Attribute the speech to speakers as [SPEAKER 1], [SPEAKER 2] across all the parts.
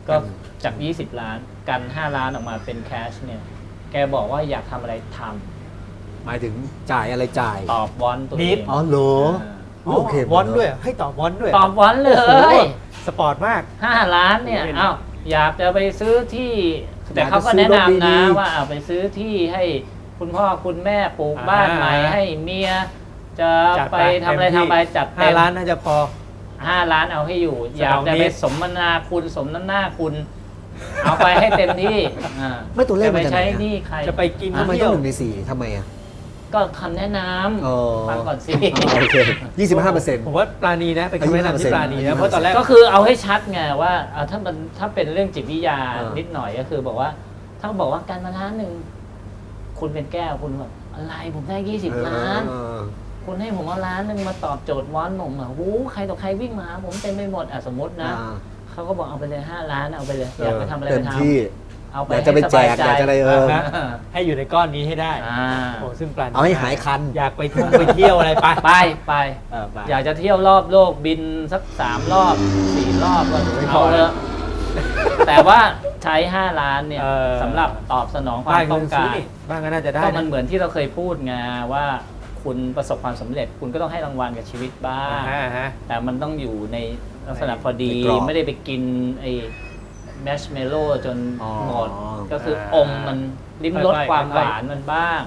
[SPEAKER 1] ก็จาก 20 ล้านกัน 5 ล้านออกมาเป็นแคชเนี่ยแกบอกว่าอยากทำอะไรทำ
[SPEAKER 2] หมายถึงจ่ายอะไรจ่าย
[SPEAKER 1] ตอบวอนตัวเอง
[SPEAKER 2] อ๋อเหรอโอเคว
[SPEAKER 3] อนด้วยให้ตอบวอนด้วย
[SPEAKER 1] ตอบวอนเล
[SPEAKER 3] โอ้โห
[SPEAKER 1] ย
[SPEAKER 3] สปอร์ตมาก
[SPEAKER 1] 5 ล้านเนี่ย
[SPEAKER 3] โอ้โห
[SPEAKER 1] อ้าวอยากจะไปซื้อที่ แต่เขาก็แนะนำนะว่าเอาไปซื้อที่ให้คุณพ่อคุณแม่ปลูกบ้านใหม่ให้เมียจะไปทำอะไรทำไปจัดเต็ม
[SPEAKER 3] 5 ล้านน่าจะพอ
[SPEAKER 1] 5 ล้านเอาให้อยู่ อยากจะ
[SPEAKER 3] 2
[SPEAKER 1] ไปสมนาคุณสมน้ำหน้าคุณ เอาไปให้เต็มที่
[SPEAKER 2] ไม่ตัวเลข
[SPEAKER 1] จะ
[SPEAKER 2] มั
[SPEAKER 1] ไป
[SPEAKER 2] นจะไหน
[SPEAKER 1] ใช้
[SPEAKER 2] อะ
[SPEAKER 1] หนี่ใคร
[SPEAKER 3] จะไปกิน
[SPEAKER 2] ทำไม
[SPEAKER 3] เที่
[SPEAKER 2] ต้
[SPEAKER 3] ย
[SPEAKER 2] อง
[SPEAKER 3] ว
[SPEAKER 2] 1 ใน 4ทำไมอ่ะ
[SPEAKER 1] ก็คำแนะน
[SPEAKER 2] อ๋อ
[SPEAKER 1] ำฟังก่อนสิ
[SPEAKER 2] โอเค 25%
[SPEAKER 3] ผมว่าปลาณีนะเป็นคำแนะนำที่ปลาณีนะเพราะตอนแรก
[SPEAKER 1] ก็คือเอาให้ชัดไงว่าถ้าเป็นเรื่องจิตวิทยา
[SPEAKER 2] เออ
[SPEAKER 1] นิดหน่อยก็คือบอกว่า ถ้าบอกว่าการมาล้านหนึ่งคุณเป็นแก้วคุณแบบอะไรผมได้20 ล้าน คุณให้ผมเอาล้านหนึ่งมาตอบโจทย์วอนผมอ่ะหูใครต่อใครวิ่งมาหาผมเต็มไปหมดสมมตินะเขาก็บอกเอาไปเลย5 ล้านเอาไปเลยอยากไปทำอะไร
[SPEAKER 2] เต็
[SPEAKER 1] ไป
[SPEAKER 2] ม
[SPEAKER 1] ทำ
[SPEAKER 2] ที่
[SPEAKER 1] เอาไป
[SPEAKER 2] อยากจะไปแจกอยากจะอะไร
[SPEAKER 3] ให้อยู่ในก้อนนี้ให้ได้
[SPEAKER 1] อ่า
[SPEAKER 3] โอ้ซึ่งปลาณี
[SPEAKER 2] เอาให้หายคัน
[SPEAKER 3] อยากไปเที่ยวอะไรไป
[SPEAKER 1] ไป
[SPEAKER 3] ไป
[SPEAKER 1] อยากจะเที่ยวรอบโลกบินสัก3 รอบ 4 รอบก็
[SPEAKER 3] ไม่พ
[SPEAKER 1] เอา
[SPEAKER 3] อ
[SPEAKER 1] เถอะแต่ว่าใช้ 5 ล้านเนี่ย
[SPEAKER 3] เออ
[SPEAKER 1] สำหรับตอบสนองความ
[SPEAKER 3] บ้าน
[SPEAKER 1] ต้องการ
[SPEAKER 3] บ้านก็น่าจะได้
[SPEAKER 1] ก็
[SPEAKER 3] นะ
[SPEAKER 1] มันเหมือนที่เราเคยพูดไงว่าคุณประสบความสำเร็จ คุณก็ต้องให้รางวัลกับชีวิตบ้าง
[SPEAKER 3] ฮะ
[SPEAKER 1] แต่มันต้องอยู่ในลักษณะพอดี
[SPEAKER 2] ในกรอบ
[SPEAKER 1] ไม่ได้ไปกินไอ้แมชเมลโล่จน
[SPEAKER 2] อ๋อ
[SPEAKER 1] หมด ก็คืออมมันลิ้มรสความหวานมันบ้าง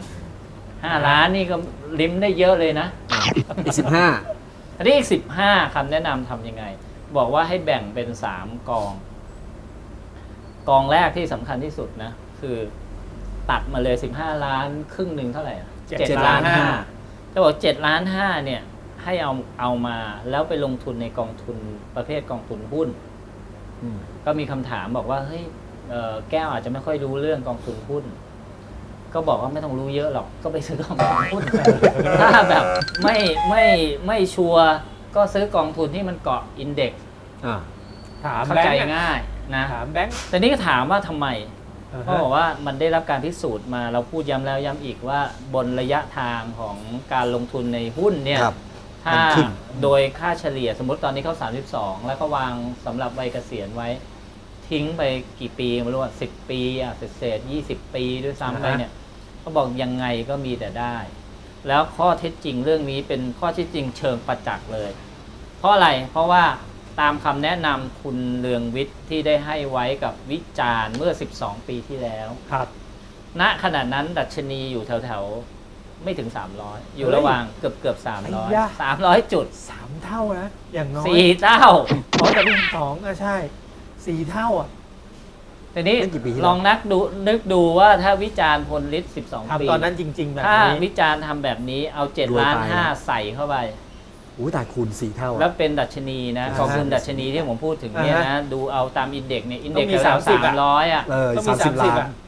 [SPEAKER 1] 5 ล้านนี่ก็ลิ้มได้เยอะเลยนะ
[SPEAKER 2] อีก15
[SPEAKER 1] อันนี้อีก15คำแนะนำทำยังไง บอกว่าให้แบ่งเป็น3 กอง กองแรกที่สำคัญที่สุดนะ คือตัดมาเลย15 ล้านครึ่งหนึ่งเท่าไหร่อะ
[SPEAKER 3] 7 ล้าน
[SPEAKER 1] จะบอก7 ล้าน 5เนี่ยให้เอามาแล้วไปลงทุนในกองทุนประเภทกองทุนหุ้น ก็มีคำถามบอกว่าเฮ้ยแก้วอาจจะไม่ค่อยรู้เรื่องกองทุนหุ้น ก็บอกว่าไม่ต้องรู้เยอะหรอกก็ไปซื้อกองทุนหุ้น ถ้าแบบไม่ชัวร์ก็ซื้อกองทุนที่มันเกาะอินเด็กซ์
[SPEAKER 3] ถาม
[SPEAKER 1] เข้า
[SPEAKER 3] แบง
[SPEAKER 1] ใจ
[SPEAKER 3] ค์
[SPEAKER 1] ง่ายนะ
[SPEAKER 3] ถามแบงค์
[SPEAKER 1] แต่นี่ก็ถามว่าทำไม
[SPEAKER 3] อ่าฮะ
[SPEAKER 1] เขาบอกว่ามันได้รับการพิสูจน์มาเราพูดย้ำแล้วย้ำอีกว่าบนระยะทางของการลงทุนในหุ้นเนี่ย
[SPEAKER 2] ครับ
[SPEAKER 1] ถ้า
[SPEAKER 2] มันขึ้น
[SPEAKER 1] โดยค่าเฉลี่ยสมมติตอนนี้เขา32 แล้วก็วางสำหรับวัยเกษียณไว้ ทิ้งไปกี่ปีไม่รู้ว่า10 ปีเศษ20 ปีด้วยซ้ำไปเนี่ยเขาบอกยังไงก็มีแต่ได้ แล้วข้อเท็จจริงเรื่องนี้เป็นข้อเท็จจริงเชิงประจักษ์เลย เพราะอะไรเพราะว่าตามคำแนะนำคุณเรืองวิทย์ที่ได้ให้ไว้กับวิจารณ์เมื่อ12 ปีที่แล้ว
[SPEAKER 3] ครับ
[SPEAKER 1] ณขณะนั้นดัชนีอยู่แถวๆไม่ถึง300อยู่ระหว่างเกือบ300 จุด
[SPEAKER 3] 3 เท่านะอย่างน้อย
[SPEAKER 1] 4 เท่า
[SPEAKER 3] เพราะแต่เป็น2ใช่4 เท่าอ่ะ
[SPEAKER 1] ทีนี้
[SPEAKER 2] นั่นกี่ปีที่แล้ว
[SPEAKER 1] ลองนึกดูว่าถ้าวิจารณ์พลฤทธิ์12 ปี
[SPEAKER 3] ทำตอนนั้นจริง ๆ แบบ
[SPEAKER 1] ถ้า
[SPEAKER 3] นี้
[SPEAKER 1] วิจารณ์ทำแบบนี้เอา
[SPEAKER 2] รวย
[SPEAKER 1] 7 ล้าน
[SPEAKER 2] ไป
[SPEAKER 1] 5ใส่เข้าไป
[SPEAKER 2] อู้ตายคูณ4 เท่า
[SPEAKER 1] แล้วเป็นดัชนีนะกองทุนดัชนีที่ผมพูดถึงเนี่ย
[SPEAKER 3] อ่า
[SPEAKER 1] นะ
[SPEAKER 3] ฮะ
[SPEAKER 1] ดูเอาตามอินเด็กซ์เนี่ยอินเด็กซ์
[SPEAKER 3] ต้องมี
[SPEAKER 1] แถว
[SPEAKER 3] 30
[SPEAKER 1] 300อ่ะ
[SPEAKER 3] ต้องมี
[SPEAKER 2] 30 ล้าน
[SPEAKER 3] 30 อ่ะ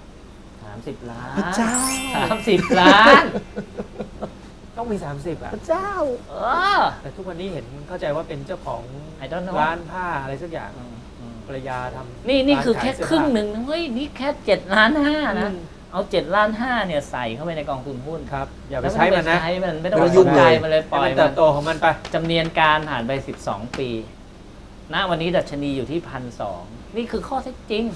[SPEAKER 1] 30 ล้าน
[SPEAKER 2] พระเจ้า
[SPEAKER 1] 30 ล้าน
[SPEAKER 3] ต้องมี 30 อ่ะ
[SPEAKER 2] พระเจ้า
[SPEAKER 1] เออ
[SPEAKER 3] แต่ทุกวันนี้เห็นเข้าใจว่าเป็นเจ้าของ
[SPEAKER 1] I don't know
[SPEAKER 3] ร้านผ้าอะไรสักอย่างภรรยาทำ
[SPEAKER 1] นี่คือ
[SPEAKER 3] ร้า
[SPEAKER 1] แค่
[SPEAKER 3] ขายเสื้อ
[SPEAKER 1] ครึ่ง
[SPEAKER 3] ผ้า
[SPEAKER 1] หนึ่งนะเฮ้ยนี่แค่7 ล้าน 5นะ
[SPEAKER 3] อืม
[SPEAKER 1] เอา7 ล้าน 5เนี่ยใส่เข้าไปในกองทุนหุ้น
[SPEAKER 3] ครับ อย่าไปใช้มันนะ
[SPEAKER 1] ใช้มันไม่ต้อง
[SPEAKER 2] ไม่
[SPEAKER 1] ไป
[SPEAKER 2] ต้องยุ่
[SPEAKER 1] สน
[SPEAKER 2] ง
[SPEAKER 1] ใจ
[SPEAKER 2] เลย
[SPEAKER 1] มันเลยป
[SPEAKER 3] ให้
[SPEAKER 1] ล่อ
[SPEAKER 3] มั
[SPEAKER 1] ย
[SPEAKER 3] นเติบโตของมันไป
[SPEAKER 1] จำเนียนการผ่านไป12 ปี ณ วันนี้ดัชนีอยู่ที่ 1,200 นี่คือข้อเท็จจริง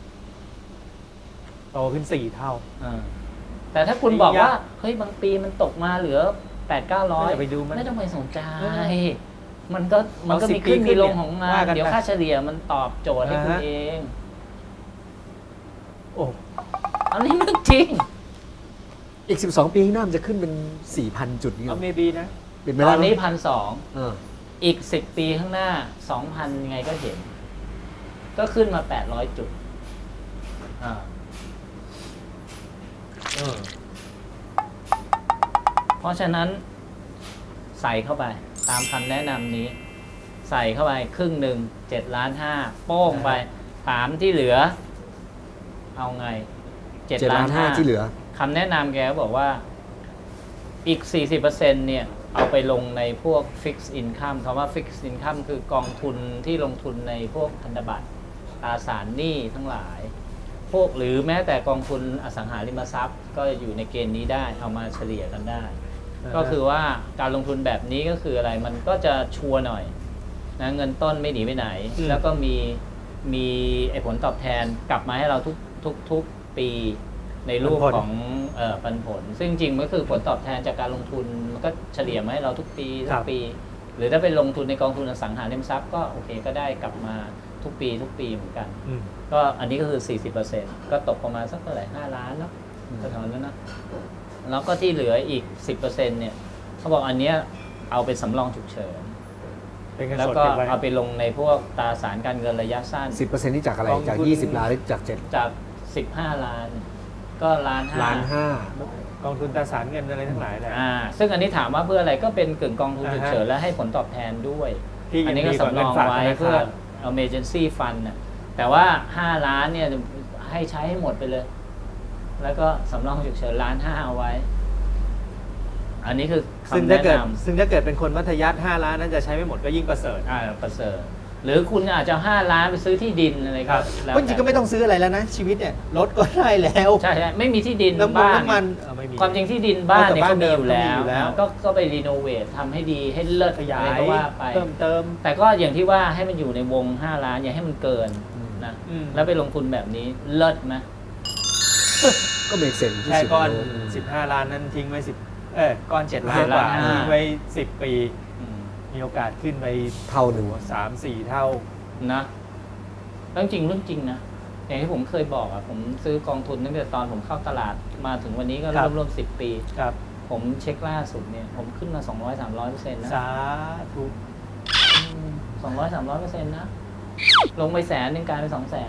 [SPEAKER 3] โตขึ้น 4 เท่า
[SPEAKER 1] แต่ถ้าคุณบอก
[SPEAKER 3] จริง
[SPEAKER 1] ว่า
[SPEAKER 3] อะ
[SPEAKER 1] เฮ้ยบางปีมันตกมาเหลือ 8-900
[SPEAKER 3] อย่าไปดูมัน
[SPEAKER 1] ไม่ต้องไปสนใจ
[SPEAKER 3] เออ
[SPEAKER 1] มันก็
[SPEAKER 3] เอา10
[SPEAKER 1] มีขึ้น
[SPEAKER 3] ปีขึ้
[SPEAKER 1] มี
[SPEAKER 3] น
[SPEAKER 1] ล
[SPEAKER 3] เนี่
[SPEAKER 1] ง
[SPEAKER 3] ย
[SPEAKER 1] ของมั
[SPEAKER 3] ว่าน กัน
[SPEAKER 1] เดี๋ยว
[SPEAKER 3] ไป
[SPEAKER 1] ค่าเฉลี่ยมันตอบโจทย์ให้คุณ
[SPEAKER 3] อ่าฮะ
[SPEAKER 1] เอง
[SPEAKER 3] โอ้
[SPEAKER 1] อันนี้เรื่องจริง
[SPEAKER 2] อีก 12 ปีข้างหน้ามันจะขึ้นเป็น 4,000 จุดนี่หร
[SPEAKER 3] เอา
[SPEAKER 2] อ
[SPEAKER 3] เมบีนะ
[SPEAKER 2] เป็นไป
[SPEAKER 1] ต
[SPEAKER 2] ได้
[SPEAKER 1] อน
[SPEAKER 2] ไหม
[SPEAKER 1] นี้
[SPEAKER 2] เออ
[SPEAKER 1] 1,200 อีก 10 ปีข้างหน้า 2,000 ยังไงก็เห็น ก็ขึ้นมา 800 จุดอ่า เพราะฉะนั้นใส่เข้าไปตามคำแนะนำนี้ ใส่เข้าไปครึ่งหนึ่ง7 ล้าน 5โป้งไป ถามที่เหลือ เอาไง
[SPEAKER 2] 7 ล้าน 5 ที่เหลือ
[SPEAKER 1] คำแนะนำแกก็บอกว่าอีก 40%เนี่ยเอาไปลงในพวก Fixed Income คำว่า Fixed Income คือกองทุนที่ลงทุนในพวกพันธบัตรตราสารหนี้ทั้งหลาย พวกหรือแม้แต่กองทุนอสังหาริมทรัพย์ ก็อยู่ในเกณฑ์นี้ได้เอามาเฉลี่ยกันได้ ก็คือว่าการลงทุนแบบนี้ก็คืออะไรมันก็จะชัวร์หน่อยนะเงินต้นไม่หนีไปไหน แล้วก็มีมีไอ้ผลตอบแทนกลับมาให้เราทุกปีในรูปของปันผล ซึ่งจริงๆมันก็คือผลตอบแทนจากการลงทุนมันก็เฉลี่ยมาให้เราทุกปีทุกปี หรือถ้าเป็นลงทุนในกองทุนอสังหาริมทรัพย์ก็โอเคก็ได้กลับมาทุกปีเหมือนกัน ก็อันนี้ก็คือ 40% ก็ตกประมาณสักเท่าไหร่5 ล้านเนาะก็เท่านั้นนะแล้วก็ที่เหลืออีก 10% เนี่ยเขาบอกอันเนี้ยเอาเป็นสำรองฉุกเฉิน
[SPEAKER 3] เป็นเงิน
[SPEAKER 1] แล้ว
[SPEAKER 3] สด
[SPEAKER 1] ก็
[SPEAKER 3] เก็บไว้
[SPEAKER 1] เอาไปลงในพวกตราสารการเงินระยะสั้น
[SPEAKER 2] 10%นี่จากอะไร
[SPEAKER 3] กองทุน
[SPEAKER 2] จาก20 ล้านหรือจาก7
[SPEAKER 1] จาก 15 ล้าน ก็ล้าน
[SPEAKER 2] ล้าน
[SPEAKER 1] ห้า
[SPEAKER 3] กองทุนตราสารเงินอะไรทั้งหลายแหละ
[SPEAKER 1] ซึ่งอันนี้ถามว่าเพื่ออะไรก็เป็นกึ่งกองทุนฉุกเฉิน
[SPEAKER 3] อ่าฮะ
[SPEAKER 1] และให้ผลตอบแทนด้วย
[SPEAKER 3] ที่
[SPEAKER 1] อันนี้
[SPEAKER 3] ยัง
[SPEAKER 1] ก็
[SPEAKER 3] ดีกว่า
[SPEAKER 1] สำรอง
[SPEAKER 3] เงินฝาก
[SPEAKER 1] ไว้
[SPEAKER 3] ธนาคาร
[SPEAKER 1] เพื่อ emergency fund น่ะแต่ว่า 5 ล้านเนี่ยให้ใช้ให้หมดไปเลย แล้วก็สำรองฉุกเฉิน1.5 ล้านเอาไว้ อันนี้คือ
[SPEAKER 3] ซึ่ง
[SPEAKER 1] คำ
[SPEAKER 3] ถ้า
[SPEAKER 1] แนะ
[SPEAKER 3] เกิด
[SPEAKER 1] นำ
[SPEAKER 3] ซึ่งถ้าเกิดเป็นคนมัธยัสถ์5 ล้านนั้นจะใช้ไม่หมดก็ยิ่งประเสริฐ
[SPEAKER 1] ประเสริฐหรือคุณอาจจะ5 ล้านไปซื้อที่ดินอะไรก็แล้ว
[SPEAKER 3] จริงๆก็ไม่ต้องซื้ออะไรแล้วนะ ชีวิตเนี่ยรถก็ได้แล้ว
[SPEAKER 1] ใช่ไม่มีที่ดิน
[SPEAKER 3] น้ำมัน
[SPEAKER 1] บ้าน
[SPEAKER 3] น้ำมันไม่มี
[SPEAKER 1] ความจริงที่ดินบ้านเนี่ย
[SPEAKER 3] แต่บ้า
[SPEAKER 1] ก็
[SPEAKER 3] น
[SPEAKER 1] มีอยู่
[SPEAKER 3] เดิ
[SPEAKER 1] แล้
[SPEAKER 3] มก็มีอยู่แล้ว
[SPEAKER 1] วก็ไปรีโนเวททำให้ดีให้เลิศ
[SPEAKER 3] ขยา
[SPEAKER 1] อะไร
[SPEAKER 3] ย
[SPEAKER 1] ก็ว่าไป
[SPEAKER 3] เพิ่มเติม
[SPEAKER 1] แต่ก็อย่างที่ว่าให้มันอยู่ในวง 5 ล้านอย่าให้มันเกินนะ
[SPEAKER 3] อืม
[SPEAKER 1] แล้วไปลงทุนแบบนี้เลิศไหม
[SPEAKER 2] ก็เมกเซนที่
[SPEAKER 3] แค่
[SPEAKER 2] สุด
[SPEAKER 3] ก้อน
[SPEAKER 2] แล้ว
[SPEAKER 3] 15 ล้านนั้นทิ้งไว้ก้อน7 ล้านกว่า
[SPEAKER 1] 7 ล้าน
[SPEAKER 3] ทิ้งไว้10 ปี
[SPEAKER 1] อืม
[SPEAKER 3] มีโอกาสขึ้นไป
[SPEAKER 2] เท่าหนึ่ง
[SPEAKER 3] 3-4 เท่า
[SPEAKER 1] นะเรื่องจริงนะอย่างที่ผมเคยบอกผมซื้อกองทุนตั้งแต่ตอนผมเข้าตลาดมาถึงวันนี้ก็
[SPEAKER 3] ครับ
[SPEAKER 1] รวม10 ปี
[SPEAKER 3] ครับ
[SPEAKER 1] ผมเช็คล่าสุดเนี่ยผมขึ้นมา 200-300%นะ
[SPEAKER 3] สาธุ
[SPEAKER 1] 200-300%นะลงไป100,000กลายเป็น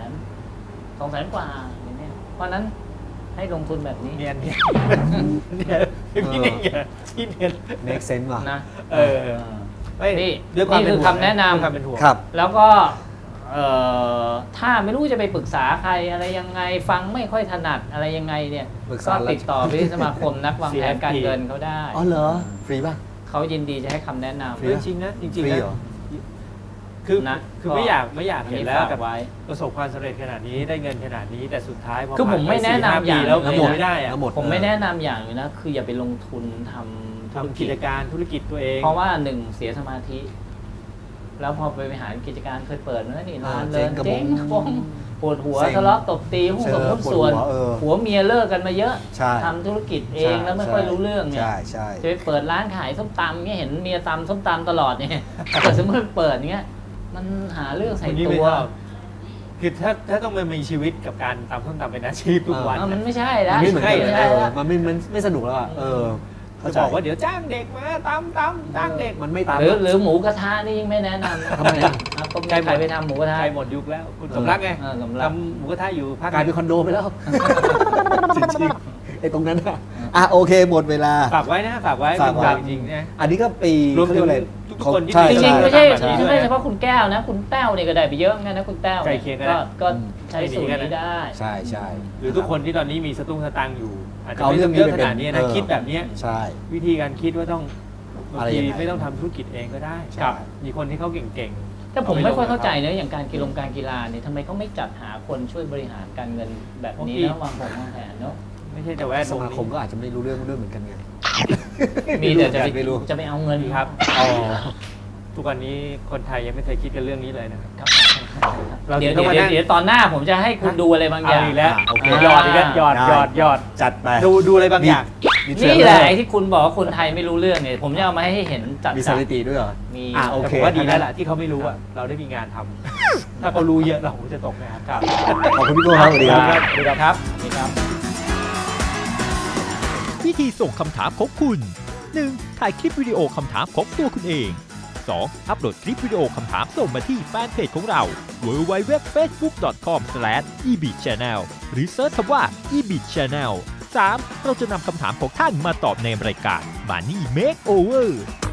[SPEAKER 1] 200,000 กว่าอย่างเนี้ยเพราะนั้นให้ลงทุนแบบนี้
[SPEAKER 3] เนียนเนี่ยพี่เนี่ยพี่เนี่ย
[SPEAKER 2] เมกเซนว่ะ
[SPEAKER 1] นะ
[SPEAKER 3] ไม่
[SPEAKER 1] นี่
[SPEAKER 3] ด้วยความ
[SPEAKER 1] นี่คือ
[SPEAKER 3] เป็ห่วง
[SPEAKER 1] คำแนะนำ
[SPEAKER 3] ด้วยความเป็นห่วง
[SPEAKER 2] ครับ
[SPEAKER 1] แล้วก็ถ้าไม่รู้จะไปปรึกษาใครอะไรยังไงฟังไม่ค่อยถนัดอะไรยังไงเนี่ย
[SPEAKER 2] ปรึก
[SPEAKER 1] ก็
[SPEAKER 2] ษาแล้ว
[SPEAKER 1] ติดต่อไปที่สมาคมนักวางแผนการเงินเขาได้
[SPEAKER 2] อ๋อเหรอ ฟรีป่ะ
[SPEAKER 1] เขายินดีจะให้คำแนะนำ
[SPEAKER 2] ฟรี
[SPEAKER 3] จริงนะจริง
[SPEAKER 2] ฟรี
[SPEAKER 3] ๆนะ
[SPEAKER 2] เหรอ
[SPEAKER 3] คือ
[SPEAKER 1] นะ
[SPEAKER 3] คือ
[SPEAKER 1] ก็
[SPEAKER 3] ไม่อยากเห็นแล้ว
[SPEAKER 1] ฝาก
[SPEAKER 3] กับ
[SPEAKER 1] ไว้
[SPEAKER 3] ประสบความสำเร็จขนาดนี้ได้เงินขนาดนี้แต่สุดท้ายพอ
[SPEAKER 1] คือผมไม่แนะนำ
[SPEAKER 3] ผ่ไป4-5
[SPEAKER 1] อย่าง
[SPEAKER 3] ปีแล้ว
[SPEAKER 2] แล้ว
[SPEAKER 3] ห
[SPEAKER 2] ห
[SPEAKER 3] ม
[SPEAKER 2] ม
[SPEAKER 3] ด
[SPEAKER 2] ด
[SPEAKER 3] ไม่ได้อะ
[SPEAKER 2] แล้วหมด
[SPEAKER 1] ผมไม่แนะนำอย่างนึงนะคืออย่าไปลงทุนทำ
[SPEAKER 3] ทำกิจการธุรกิจตัวเอง
[SPEAKER 1] เพราะว่าหนึ่งเสียสมาธิ แล้วพอไปบริหารกิจการเคยเปิดนะนี่นานเลย
[SPEAKER 2] เจ๊งกระบง
[SPEAKER 1] เจ๊งกระบงปวดหัว
[SPEAKER 2] เซ็ง
[SPEAKER 1] ทะเลาะตบตีหุ้น
[SPEAKER 2] เจ
[SPEAKER 1] ส่
[SPEAKER 2] อ
[SPEAKER 1] วนหุ้นส่วน
[SPEAKER 2] ปวดหัว
[SPEAKER 1] หัวเมียเลิกกันมาเยอะ
[SPEAKER 2] ใช่
[SPEAKER 1] ทำธุรกิจเองแล้วไม่ค่อยรู้เรื่องเนี่ย
[SPEAKER 2] ใช่ใช่
[SPEAKER 1] จะไปเปิดร้านขายส้มตำเนี่ยเห็นเมียตำส้มตำตลอดเนี่ยแต่สมมติเปิดเงี้ยมันหาเรื่องใส่
[SPEAKER 3] คนนี้
[SPEAKER 1] ตั
[SPEAKER 3] ไม่
[SPEAKER 1] ว
[SPEAKER 3] ชอบคือถ้าต้องมามีชีวิตกับการตำส้มตำเป็นอาชีพทุกวัน
[SPEAKER 1] มันไม่ใช่แล้ว
[SPEAKER 2] มันไม่เหมือนกัน
[SPEAKER 1] ไม่ใช่แล้ว
[SPEAKER 2] มันไม่สนุกแล้วอ่ะเข้า
[SPEAKER 3] จะ
[SPEAKER 2] ใจ
[SPEAKER 3] บอกว่าเดี๋ยวจ้างเด็กมาตำจ้างเด็ก
[SPEAKER 2] มันไม่ตาม
[SPEAKER 1] หรือหมูกระทะนี่ยิ่งไม่แนะนำนะ
[SPEAKER 2] ทำไมอ่ะ
[SPEAKER 1] ก็มีใครไปทำหมูกระทะ
[SPEAKER 3] ใครหมดยุคแล้ว คุณสมรักไง
[SPEAKER 1] สมรัก
[SPEAKER 3] ทำหมูกระทะอยู่ภาค
[SPEAKER 2] กลายเป็นคอนโดไปแล้ว จริงๆไอ้ตรงนั้นอ่ะโอเคหมดเวลา
[SPEAKER 3] ฝากไว้นะฝากไว้
[SPEAKER 2] ฝากไว้
[SPEAKER 3] จริงๆนะ
[SPEAKER 2] อันนี้ก็ปี
[SPEAKER 3] รวมถึง
[SPEAKER 2] เขาเยกอะไร
[SPEAKER 3] ทุกคนที่
[SPEAKER 2] ใช่
[SPEAKER 1] จริง
[SPEAKER 2] ใช่
[SPEAKER 1] ๆไม่ใช่
[SPEAKER 3] แบบนี้ด้วย
[SPEAKER 1] ไม่ใช่เฉพาะคุณแก้วนะ คุณแต้วเนี่ยก็ได้ไปเยอะเหมือนกันนะคุณแต้ว
[SPEAKER 3] ใกล้เคียงกันนะ
[SPEAKER 1] ก็ใช้สูตรนี้ได้
[SPEAKER 2] ใช่ใช่
[SPEAKER 3] หรือทุกคนที่ตอนนี้มีสตุ้งสตังค์อยู่ อาจจะ
[SPEAKER 2] เอา
[SPEAKER 3] ไม่
[SPEAKER 2] เรื่
[SPEAKER 3] ต้
[SPEAKER 2] อ
[SPEAKER 3] อง ง
[SPEAKER 2] นี้
[SPEAKER 3] เยอะ
[SPEAKER 2] ไป
[SPEAKER 3] ข
[SPEAKER 2] เป็น
[SPEAKER 3] นาดนี้นะคิดแบบเนี้ย
[SPEAKER 2] ใช่
[SPEAKER 3] วิธีการคิดว่าต้องบาง
[SPEAKER 2] อะไร
[SPEAKER 3] ที
[SPEAKER 2] ยังไง
[SPEAKER 3] ไม่ต้องทำธุรกิจเองก็ได้
[SPEAKER 1] ครับ
[SPEAKER 3] มีคนที่เขาเก่ง
[SPEAKER 1] แต่ผมไม่ค่อยเข้าใจเนอะอย่างการกีฬาเนี่ยทำไมเขาไม่จัดหาคนช่วยบริหารการเงินแบบนี้แล้ววางแผนเนาะ
[SPEAKER 3] ๆไม่ใช่แต่แวด
[SPEAKER 2] ส
[SPEAKER 3] วง
[SPEAKER 2] มาคม
[SPEAKER 3] นี้
[SPEAKER 2] ก็อาจจะไม่รู้เรื่องเหมือนกันไง
[SPEAKER 1] มีแต่จะ
[SPEAKER 2] ไม่รู้
[SPEAKER 1] ไปเอาเงิน
[SPEAKER 3] ครับ
[SPEAKER 2] อ๋อ
[SPEAKER 3] ทุกวันนี้คนไทยยังไม่เคยคิดกันเรื่องนี้เลยนะครับ
[SPEAKER 1] ครับ
[SPEAKER 3] เรา
[SPEAKER 1] เดี๋ยว
[SPEAKER 3] ต้องมานั่ง
[SPEAKER 1] เดี๋ยวตอนหน้าผมจะให้คุณดูอะไรบางอย่าง
[SPEAKER 3] เอาอีกแล้ว
[SPEAKER 2] โอเค
[SPEAKER 3] หยอดอีกแล้วหยอด
[SPEAKER 2] ได้
[SPEAKER 3] หยอด
[SPEAKER 2] จัดไป
[SPEAKER 3] ดูอะไรบางอย่าง
[SPEAKER 1] นี่แหละไอ้ที่คุณบอกว่าคนไทยไม่รู้เรื่องเนี่ยผมจะเอามาให้เห็นจัด
[SPEAKER 2] มีสถิติด้วยเหรอ
[SPEAKER 1] มี
[SPEAKER 2] โอเค
[SPEAKER 3] แต่ผมว่าดีแล้วล่ะที่เขาไม่รู้อะเราได้มีงานทำถ้าเขารู้เยอะเราคงจะตกงาน
[SPEAKER 1] ครับ
[SPEAKER 2] ขอบคุณพี่โก้ครับสวัสดีครับ
[SPEAKER 1] สวัสดีครับสวัสดีครับ
[SPEAKER 4] วิธีส่งคำถามของคุณ 1. ถ่ายคลิปวิดีโอคำถามของตัวคุณเอง 2. อัปโหลดคลิปวิดีโอคำถามส่งมาที่แฟนเพจของเรา www.facebook.com/ebitchannel หรือเซิร์ชคำว่า ebitchannel 3. เราจะนำคำถามของท่านมาตอบในรายการ Money Makeover